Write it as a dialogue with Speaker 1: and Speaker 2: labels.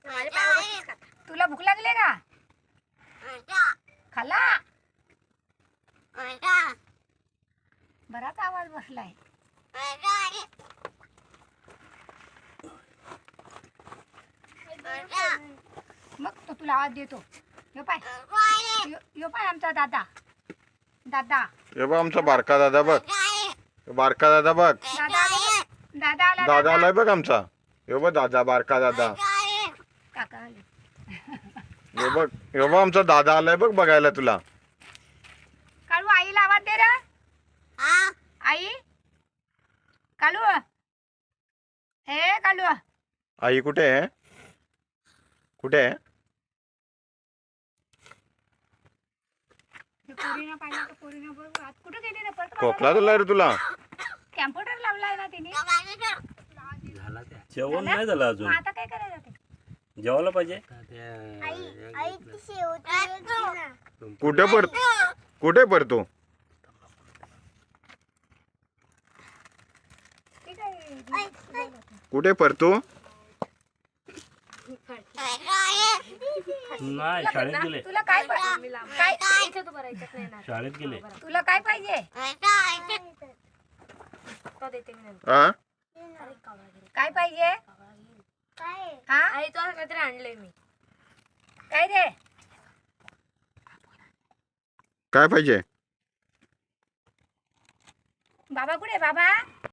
Speaker 1: तुला भूक लागली का? खाला बराच आवाज बसलाय. मग तो तुला आवाज देतो. यो पाय यो पाय आमचा दादा. दादा
Speaker 2: हे बघ आमचा बारका दादा बघ. बारका दादा बघ.
Speaker 1: दादा आला. दादा आला.
Speaker 2: दादा आलाय बघ आमचा. हे बघ दादा, बारका दादा.
Speaker 1: काका आले.
Speaker 2: हे बघ आमचा दादा आलाय बघ बघायला तुला.
Speaker 1: काळू आईला आवाज दे रे. आई कालू. हे कालू.
Speaker 2: आई कुठे आहे? कुठे आहे?
Speaker 1: पोरीनं पाहिलं तर पोरीनं बघ आज कुठे गेली ना परत.
Speaker 2: खोकला तुला रे तुला.
Speaker 1: कॅम्प्युटर लावलाय ना तिने.
Speaker 3: जेवण नाही झालं अजून.
Speaker 1: मग आता काय करायचं ते?
Speaker 3: जेवायला पाहिजे.
Speaker 2: कुठे पडतो? कुठे पडतो?
Speaker 3: नाही शाळेत गेले.
Speaker 1: तुला काय
Speaker 3: शाळेत गेले.
Speaker 1: तुला काय पाहिजे?
Speaker 2: हा
Speaker 1: काय पाहिजे? हा
Speaker 4: आई तो काहीतरी आणलंय मी.
Speaker 1: काय रे?
Speaker 2: काय पाहिजे?
Speaker 1: बाबा कुठे बाबा?